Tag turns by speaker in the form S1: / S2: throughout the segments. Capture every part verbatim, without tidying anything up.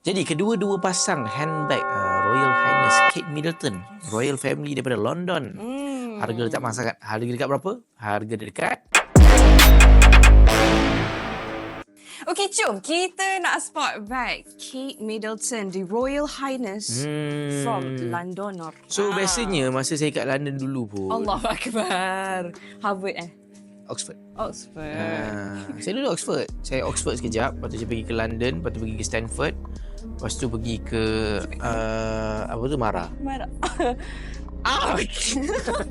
S1: Jadi kedua-dua pasang handbag uh, Royal Highness Kate Middleton Royal Family daripada London. Hmm. Harga dekat masyarakat. Harga dekat berapa? Harga dekat.
S2: Okey, jom kita nak spot bag Kate Middleton di Royal Highness hmm. from London.
S1: So ah. biasanya masa saya kat London dulu pun.
S2: Allahu Akbar. Harvard eh?
S1: Oxford.
S2: Oxford.
S1: Ha, saya dulu Oxford. Saya Oxford sekejap. Lepas tu saya pergi ke London. Lepas tu pergi ke Stanford. Lepas tu pergi ke uh, apa tu Mara.
S2: Mara. Ah. Okey,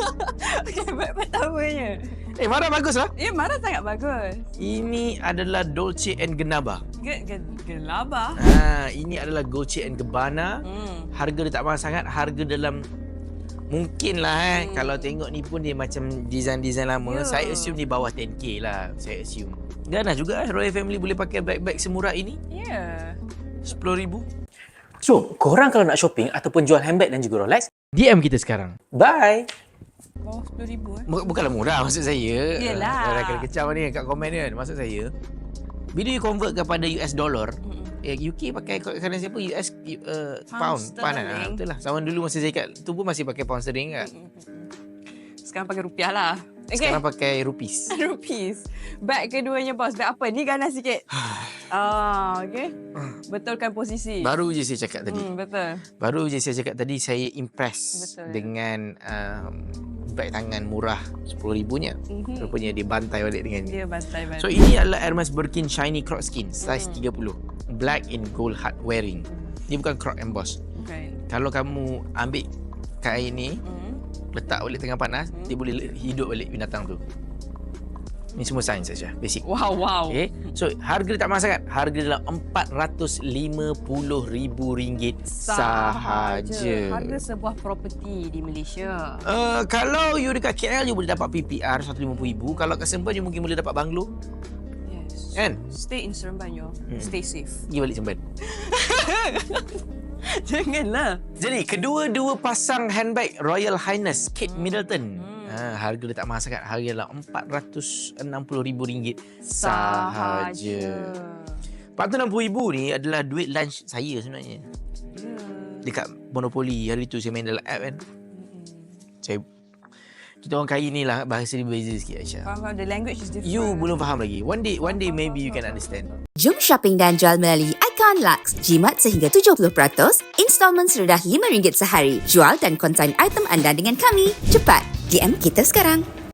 S2: bag pertamanya.
S1: Eh, Mara bagus lah.
S2: Ya, Mara sangat bagus.
S1: Ini adalah Dolce and Gabbana.
S2: Ge, ge, Gabbana.
S1: Ha, ini adalah Dolce and Gabbana. Hmm. Harga dia tak mahal sangat. Harga dalam mungkin lah eh. Hmm. Kalau tengok ni pun dia macam design-design lama. Yeah. Saya assume di bawah ten K lah. Saya assume. Ganas juga eh Royal Family boleh pakai bag-bag semurah ini.
S2: Ya. Yeah.
S1: sepuluh ribu.
S3: So, korang kalau nak shopping ataupun jual handbag dan juga Rolex,
S1: D M kita sekarang.
S3: Bye!
S2: Bawah sepuluh ribu eh?
S1: Bukanlah murah maksud saya.
S2: Yelah.
S1: Orang kena kecam ni kat komen ni kan. Maksud saya, bila you convert kepada U S dollar, mm-hmm. eh, U K pakai currency apa? U S uh, pound. Pound lah. Betul lah. Sama dulu masa saya kat tu pun masih pakai pound sterling kan. Mm-hmm.
S2: Sekarang pakai rupiah lah. Okay.
S1: Sekarang pakai rupees.
S2: Rupees. Bag keduanya bos. Bag apa? Ni ganas sikit. Ah, okay. Betulkan posisi.
S1: Baru je saya cakap tadi.
S2: Hmm, betul.
S1: Baru je saya cakap tadi saya impress
S2: betul.
S1: Dengan um, bag tangan murah sepuluh ribunya. Mm-hmm. Rupanya dia bantai balik dengan ni.
S2: Dia bantai balik.
S1: So ini adalah Hermes Birkin Shiny Croc Skin size mm. tiga puluh. Black in gold hard wearing. Dia bukan croc emboss. Okay. Kalau kamu ambil kain ni, mm. letak balik tengah panas, hmm. dia boleh hidup balik binatang tu. Ni semua sains saja, basic.
S2: Wow, wow.
S1: Okay. So, harga dia tak mahal sangat. Harga dia dalam empat ratus lima puluh ribu ringgit sahaja.
S2: Harga sebuah properti di Malaysia.
S1: Uh, kalau you dekat K L, you boleh dapat P P R seratus lima puluh ribu. Kalau kat Seremban, you mungkin boleh dapat banglo.
S2: Yes.
S1: Kan?
S2: Stay in Seremban, yo. Hmm. Stay safe.
S1: Pergi balik Seremban.
S2: Janganlah.
S1: Jadi, kedua-dua pasang handbag Royal Highness Kate hmm. Middleton. Hmm. Ha, harga dia tak mahal sangat. Harga dalam empat ratus enam puluh ribu ringgit sahaja. empat ratus enam puluh ribu ni adalah duit lunch saya sebenarnya. Yeah. Dekat Monopoly hari tu saya main dalam app kan. Hmm. Saya kita orang kaya ni lah bahasa dia berbeza sikit Aisyah.
S2: Faham, the language is different.
S1: You belum faham lagi. One day one day maybe you can understand.
S4: Jom shopping dan jual melalui Icon Lux. Jimat sehingga tujuh puluh peratus, installment serendah lima ringgit sehari. Jual dan konsign item anda dengan kami. Cepat, D M kita sekarang.